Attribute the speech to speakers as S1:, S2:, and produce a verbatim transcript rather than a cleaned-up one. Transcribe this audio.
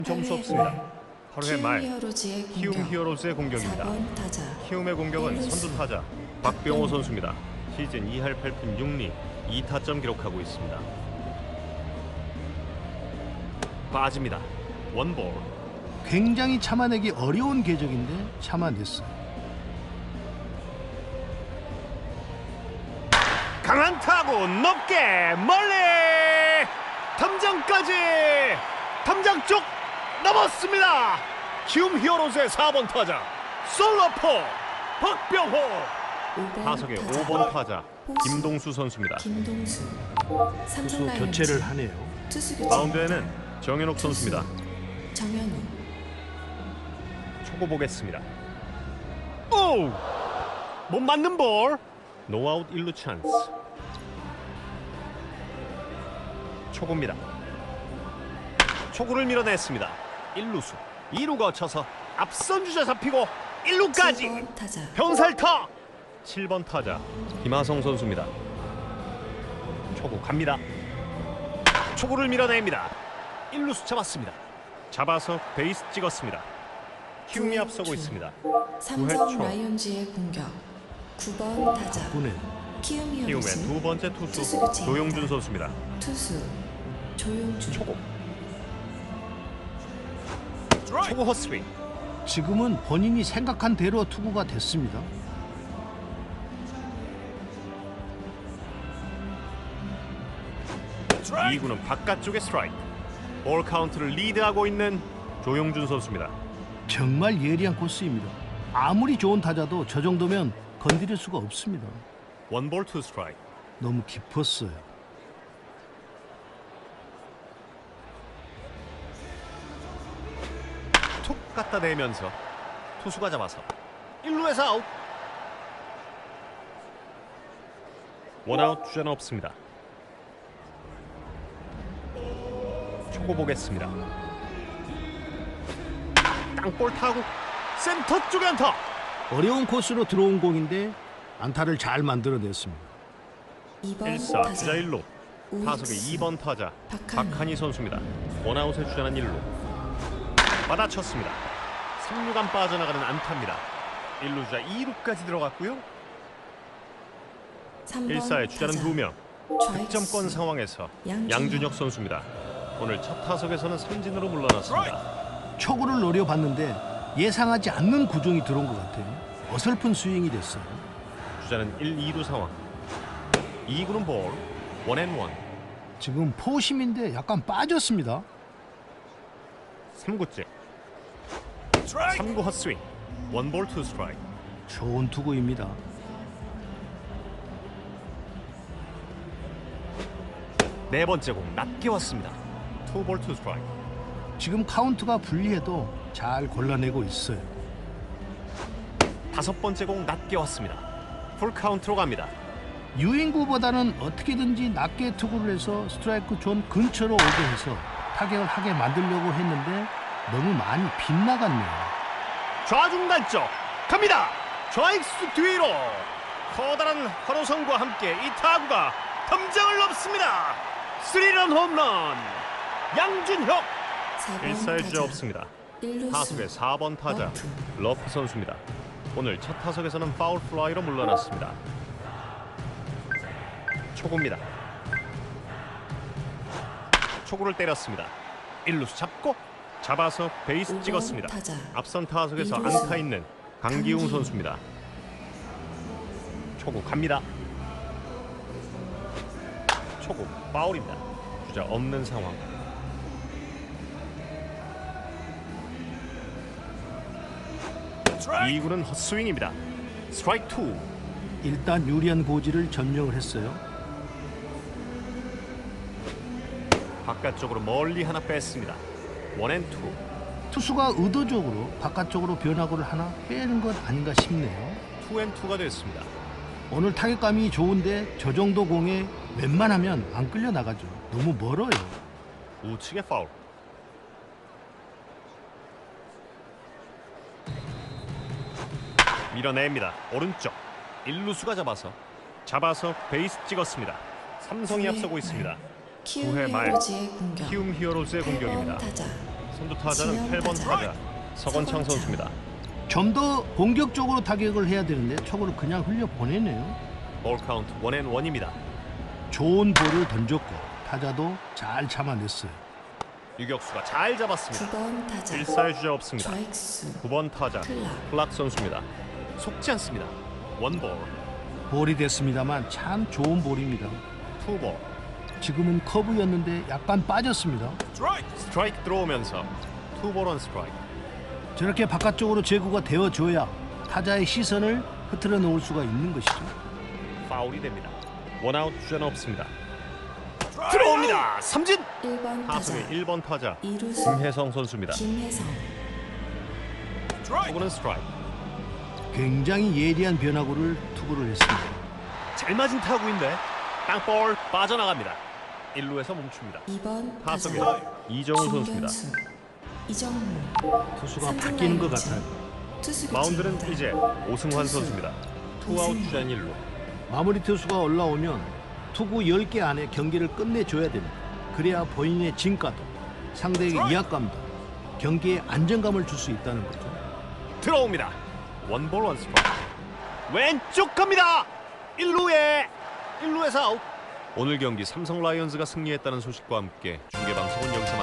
S1: 점수 없습니다. 팔 회 말
S2: 히어로즈의
S1: 키움
S2: 공격.
S1: 히어로즈의 공격입니다.
S2: 사 번 타자
S1: 키움의 공격은
S2: 일루수.
S1: 선두 타자 박병호 선수입니다. 시즌 이 할 팔 푼 육 리 이 타점 기록하고 있습니다. 빠집니다. 원볼.
S3: 굉장히 참아내기 어려운 궤적인데 참아냈어요.
S1: 강한 타구 높게 멀리 탐장까지 탐장 쪽 넘었습니다. 키움 히어로즈의 사 번 타자 솔로포 박병호.
S2: 오 번
S1: 타석의
S2: 타자.
S1: 오 번 타자
S2: 호수.
S1: 김동수 선수입니다.
S2: 김동수 삼성
S3: 투수
S2: 라이온즈
S3: 교체를 하네요.
S2: 투수 교체
S1: 마운드에는 정현욱 선수입니다.
S2: 정현우
S1: 초고 보겠습니다. 오! 못 맞는 볼. 노아웃 일 루 찬스. 초구입니다. 초구를 밀어냈습니다. 일 루수 이 루 거쳐서 앞선 주자 잡히고 일 루까지
S2: 칠 번 타자
S1: 병살타. 칠 번 타자 김하성 선수입니다. 초구 갑니다. 초구를 밀어냅니다. 일 루수 잡았습니다. 잡아서 베이스 찍었습니다. 키움이 앞서고 있습니다.
S2: 삼성
S1: 구 회 초.
S2: 라이온즈의 공격 구 번 타자
S3: 군에
S2: 키움
S1: 키움의
S2: 히어로즈
S1: 두 번째 투수
S2: 투수 교체입니다.
S1: 조용준 선수입니다.
S2: 투수 조용준
S1: 초구 초구 헛스윙.
S3: 지금은 본인이 생각한 대로 투구가 됐습니다.
S1: 이 구는 바깥쪽의 스트라이크. 볼 카운트를 리드하고 있는 조용준 선수입니다.
S3: 정말 예리한 코스입니다. 아무리 좋은 타자도 저 정도면 건드릴 수가 없습니다.
S1: 원볼 투 스트라이크.
S3: 너무 깊었어요.
S1: 툭 갖다 대면서 투수가 잡아서 일 루에서 아웃. 원아웃 주자는 없습니다. 초고 보겠습니다. 땅볼 타고 센터 쪽에 안타.
S3: 어려운 코스로 들어온 공인데 안타를 잘 만들어냈습니다.
S2: 이 번
S1: 일 사
S2: 타자
S1: 주자 일 루.
S2: 우익수.
S1: 타석의 이 번 타자
S2: 박한희.
S1: 박한희 선수입니다. 원아웃의 주자는 일 루. 받아쳤습니다. 삼 루간 빠져나가는 안타입니다. 일 루 주자 이 루까지 들어갔고요.
S2: 삼 번
S1: 일 사의 주자는
S2: 타자.
S1: 두 명.
S2: 좌익수.
S1: 득점권 상황에서
S2: 양준혁.
S1: 양준혁 선수입니다. 오늘 첫 타석에서는 삼진으로 물러났습니다.
S3: 초구를 노려봤는데 예상하지 않는 구종이 들어온 것 같아요. 어설픈 스윙이 됐어요.
S1: 주자는 일, 이 루 상황. 이 구는 볼. 원앤원.
S3: 지금 포심인데 약간 빠졌습니다.
S1: 삼 구째. 삼 구 헛스윙. 원볼 투 스트라이크.
S3: 좋은 투구입니다.
S1: 네 번째 공 낮게 왔습니다. 투볼 투 스트라이크.
S3: 지금 카운트가 불리해도 잘 골라내고 있어요.
S1: 다섯 번째 공 낮게 왔습니다. 풀 카운트로 갑니다.
S3: 유인구보다는 어떻게든지 낮게 투구를 해서 스트라이크 존 근처로 오게 해서 타격을 하게 만들려고 했는데 너무 많이 빗나갔네요.
S1: 좌중 단쪽 갑니다. 좌익수 뒤로 커다란 환호성과 함께 이 타구가 덤장을 넘습니다. 스리런 홈런. 양준혁.
S2: 사 번
S1: 일 사의
S2: 타자.
S1: 주자 없습니다.
S2: 일루수.
S1: 타석의 사 번 타자
S2: 러프.
S1: 러프 선수입니다. 오늘 첫 타석에서는 파울 플라이로 물러났습니다. 초구입니다. 초구를 때렸습니다. 일 루수 잡고 잡아서 베이스
S2: 오 번
S1: 찍었습니다.
S2: 타자.
S1: 앞선 타석에서
S2: 이루수.
S1: 안타 있는 강기웅
S2: 강기웅.
S1: 선수입니다. 초구 갑니다. 초구 파울입니다. 주자 없는 상황. 이 구는 헛스윙입니다. 스트라이크 투.
S3: 일단 유리한 고지를 점령을 했어요.
S1: 바깥쪽으로 멀리 하나 뺐습니다. 원앤투.
S3: 투수가 의도적으로 바깥쪽으로 변화구를 하나 빼는 것 아닌가 싶네요.
S1: 투앤투가 됐습니다.
S3: 오늘 타격감이 좋은데 저 정도 공에 웬만하면 안 끌려 나가죠. 너무 멀어요.
S1: 우측의 파울. 밀어냅니다. 오른쪽 일 루수가 잡아서 잡아서 베이스 찍었습니다. 삼성이
S2: 구 회
S1: 앞서고
S2: 말.
S1: 있습니다.
S2: 키움
S1: 구 회 말.
S2: 히어로즈의 공격
S1: 키움 히어로즈의
S2: 팔 번
S1: 공격입니다.
S2: 타자
S1: 선두 타자는 팔 번 타자 서건창 선수입니다.
S3: 좀 더 공격적으로 타격을 해야 되는데 초구를 그냥 흘려 보내네요.
S1: 볼 카운트 원앤 원입니다.
S3: 좋은 볼을 던졌고 타자도 잘 참아냈어요.
S1: 유격수가 잘 잡았습니다.
S2: 구 번 타자
S1: 일사의 주자 없습니다.
S2: 좌익수
S1: 구 번 타자
S2: 클락
S1: 클락 선수입니다. 속지 않습니다. 원볼,
S3: 볼이 됐습니다만 참 좋은 볼입니다.
S1: 투볼,
S3: 지금은 커브였는데 약간 빠졌습니다.
S1: 스트라이크 들어오면서 투볼 원 스트라이크.
S3: 저렇게 바깥쪽으로 제구가 되어줘야 타자의 시선을 흐트러 놓을 수가 있는 것이죠.
S1: 파울이 됩니다. 원아웃 주자는 없습니다. 들어옵니다. 삼진.
S2: 일 번 타자
S1: 타석의 일 번 타자
S2: 이루수
S1: 김혜성 선수입니다.
S2: 김혜성
S1: 투구는 스트라이크.
S3: 굉장히 예리한 변화구를 투구를 했습니다.
S1: 잘 맞은 타구인데 땅볼 빠져나갑니다. 일 루에서 멈춥니다.
S2: 이 번
S1: 타석에
S2: 타자
S1: 이정우 선수입니다.
S2: 중견수 이정우
S3: 투수가
S2: 삼진
S3: 바뀌는 것
S2: 라인즈.
S3: 같아요.
S2: 투수
S1: 마운드는
S2: 교체입니다.
S1: 이제 오승환 선수입니다. 투아웃 주자는 일 루.
S3: 마무리 투수가 올라오면 투구 열 개 안에 경기를 끝내줘야 됩니다. 그래야 본인의 진가도 상대에게 위압감도 경기에 안정감을 줄 수 있다는 거죠.
S1: 들어옵니다. 원볼 원 스트라이크. 왼쪽 갑니다. 일 루에 일 루에서 아웃. 오늘 경기 삼성 라이온즈가 승리했다는 소식과 함께 중계 방송은 여기서